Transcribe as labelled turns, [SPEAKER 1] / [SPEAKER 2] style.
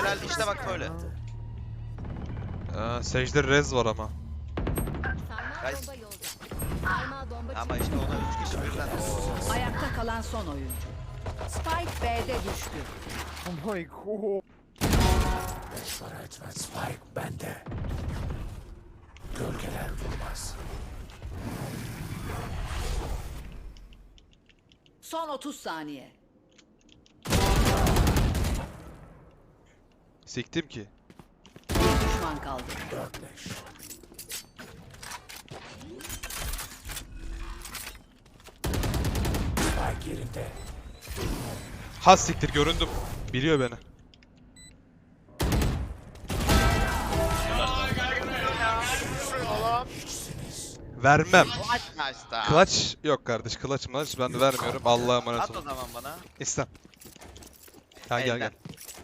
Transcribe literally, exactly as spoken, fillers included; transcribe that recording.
[SPEAKER 1] Tünel işte bak böyle.
[SPEAKER 2] Aa, Sage'de rez var ama.
[SPEAKER 1] Guys. Ama işte ona üç kişi birden. Oo.
[SPEAKER 3] Ayakta kalan son oyuncu. Spike B'de düştü.
[SPEAKER 4] Oh my god.
[SPEAKER 5] Sonra etmez Spike bende. Gölgeler vurmaz.
[SPEAKER 3] Son otuz saniye.
[SPEAKER 2] Siktim ki.
[SPEAKER 3] Bir düşman kaldı.
[SPEAKER 5] Dörtleş. Spike yerinde.
[SPEAKER 2] Ha siktir göründüm. Biliyor beni. Vermem.
[SPEAKER 1] Nice.
[SPEAKER 2] Clutch yok kardeş. Clutch maç ben de vermiyorum. Allah'a emanet
[SPEAKER 1] At o
[SPEAKER 2] olun.
[SPEAKER 1] zaman bana.
[SPEAKER 2] İstem. Ha gel
[SPEAKER 1] Elden.
[SPEAKER 2] gel.